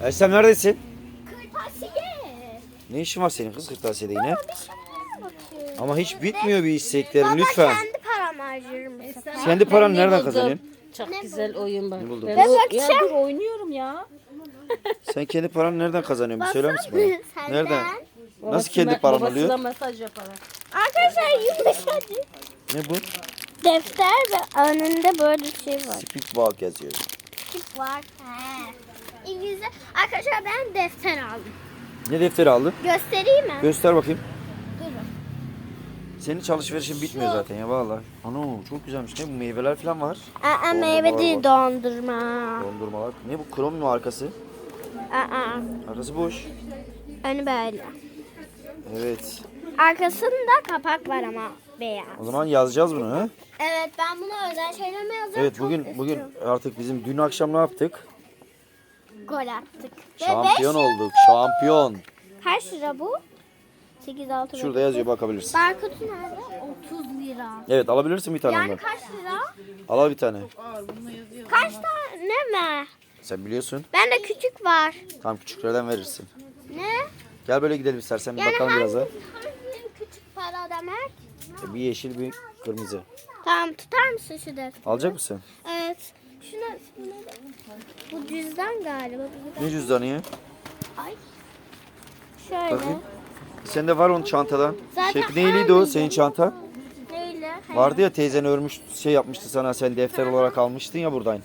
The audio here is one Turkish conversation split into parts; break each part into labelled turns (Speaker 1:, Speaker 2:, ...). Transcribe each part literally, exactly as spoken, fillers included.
Speaker 1: Ersem neredesin?
Speaker 2: Kırtasiye.
Speaker 1: Ne işin var senin kız kırtasiyede yine?
Speaker 2: Baba bir şeylere bakıyorum.
Speaker 1: Ama hiç bitmiyor bir isteklerin
Speaker 2: Baba
Speaker 1: lütfen.
Speaker 2: kendi paramı harcarım bu sefer.
Speaker 1: Kendi paranı
Speaker 3: Ne
Speaker 1: nereden
Speaker 3: buldum?
Speaker 1: kazanıyorsun?
Speaker 3: Çok
Speaker 2: Ne
Speaker 3: güzel oyun bak.
Speaker 1: Ne buldun?
Speaker 3: Ben
Speaker 1: Ben
Speaker 3: o- ya
Speaker 2: bakacağım.
Speaker 3: dur oynuyorum ya.
Speaker 1: Sen kendi paranı nereden kazanıyorsun? Bir söyler misin bana?
Speaker 2: Senden.
Speaker 1: Nereden? Nasıl
Speaker 3: Babası
Speaker 1: kendi
Speaker 3: me-
Speaker 1: paran
Speaker 3: babasına
Speaker 1: oluyor?
Speaker 3: mesaj yaparak.
Speaker 2: Arkadaşlar yumuşacık.
Speaker 1: Ne bu?
Speaker 2: Defter ve önünde böyle bir şey var.
Speaker 1: Speakball yazıyor.
Speaker 2: Tip var. He. İngilizce. Arkadaşlar ben defter aldım.
Speaker 1: Ne defteri aldın?
Speaker 2: Göstereyim mi?
Speaker 1: Göster bakayım.
Speaker 2: Durun.
Speaker 1: Senin alışverişin bitmiyor zaten ya vallahi. Ana çok güzelmiş. Ne bu meyveler falan var.
Speaker 2: Aa,
Speaker 1: Dondurmalar
Speaker 2: meyve değil
Speaker 1: var.
Speaker 2: dondurma.
Speaker 1: Dondurmalar. Ne bu krom mu arkası?
Speaker 2: Aa,
Speaker 1: Arkası boş.
Speaker 2: önü böyle.
Speaker 1: Evet.
Speaker 2: Arkasında kapak var ama beyaz.
Speaker 1: O zaman yazacağız bunu ha?
Speaker 2: Evet ben buna özel şeyler mi yazacağım?
Speaker 1: Evet
Speaker 2: Çok
Speaker 1: bugün bugün
Speaker 2: istiyorum.
Speaker 1: artık bizim dün akşam ne yaptık?
Speaker 2: Gol attık. Ve
Speaker 1: Şampiyon
Speaker 2: beş
Speaker 1: olduk.
Speaker 2: yıldız.
Speaker 1: Şampiyon.
Speaker 2: Kaç lira bu? sekiz altı.
Speaker 1: Şurada yazıyor bakabilirsin.
Speaker 2: Barkodu nerede? otuz lira.
Speaker 1: Evet alabilirsin bir tane
Speaker 2: Yani
Speaker 1: ondan.
Speaker 2: kaç lira?
Speaker 1: Al bir tane.
Speaker 2: Kaç tane mi?
Speaker 1: Sen biliyorsun.
Speaker 2: Bende küçük var.
Speaker 1: Tam küçüklerden verirsin.
Speaker 2: Ne?
Speaker 1: Gel böyle gidelim istersen bir
Speaker 2: Yani
Speaker 1: bakalım
Speaker 2: hangi,
Speaker 1: biraz da.
Speaker 2: hangi küçük para demek?
Speaker 1: Bir yeşil bir kırmızı.
Speaker 2: Tamam tutar mısın şu defteri?
Speaker 1: Alacak mısın?
Speaker 2: Evet. Şuna, şuna bu cüzdan galiba. Bu
Speaker 1: Ne cüzdanı ya?
Speaker 2: Ay. Şöyle.
Speaker 1: Bakayım. Sende var onun çantadan.
Speaker 2: Zaten
Speaker 1: Şekli neyliydi o
Speaker 2: aynı.
Speaker 1: senin çanta?
Speaker 2: Neyle?
Speaker 1: Vardı ya teyzen örmüş şey yapmıştı sana sen defter olarak almıştın ya buradan.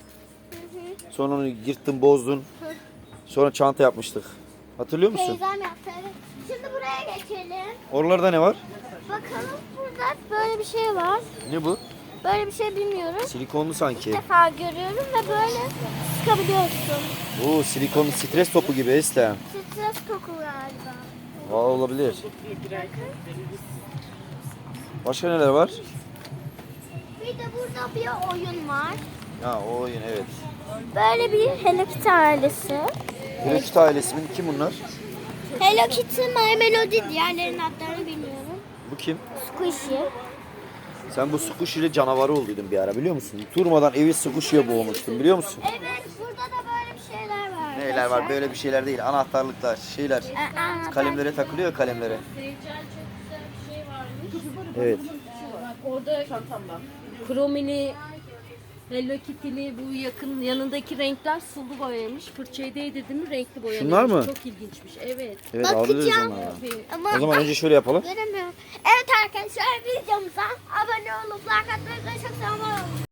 Speaker 1: Sonra onu yırttın bozdun. Sonra çanta yapmıştık. Hatırlıyor musun?
Speaker 2: Teyzem yaptı evet. Şimdi buraya geçelim.
Speaker 1: Oralarda ne var?
Speaker 2: Bakalım burada böyle bir şey var.
Speaker 1: Ne bu?
Speaker 2: Böyle bir şey bilmiyorum.
Speaker 1: Silikonlu sanki.
Speaker 2: İlk defa görüyorum ve böyle sıkabiliyorsun.
Speaker 1: Oo silikonlu stres topu gibi Eslem.
Speaker 2: Stres koku galiba.
Speaker 1: Aa, olabilir. Başka neler var?
Speaker 2: Bir de burada bir oyun var.
Speaker 1: Ha o oyun evet.
Speaker 2: Böyle bir Hello Kitty ailesi.
Speaker 1: Hello Kitty ailesi mi? Kim bunlar?
Speaker 2: Hello Kitty, My Melody diğerlerinin adlarını bilmiyorum.
Speaker 1: Bu kim?
Speaker 2: Squishy.
Speaker 1: Sen bu Squishy ile canavarı olduydun bir ara biliyor musun? Turmadan evi Squishy'ye boğmuştun biliyor musun?
Speaker 2: Evet burada da böyle bir şeyler var.
Speaker 1: Neler var böyle bir şeyler değil anahtarlıklar şeyler.
Speaker 2: Aa,
Speaker 1: Kalemlere takılıyor ya kalemlere. Evet.
Speaker 3: Orada kromili, Hello Kitty'li bu yakın yanındaki renkler sulu boyamış. Fırçayı değdirdim mi renkli boyamış.
Speaker 1: Şunlar mı?
Speaker 3: Çok ilginçmiş. Evet.
Speaker 1: Evet
Speaker 2: Bakacağım.
Speaker 1: alırız onları.
Speaker 2: Ama
Speaker 1: O zaman önce şöyle yapalım.
Speaker 2: göremiyorum. Evet arkadaşlar videomuza abone olup like atmayı çok seviyorum.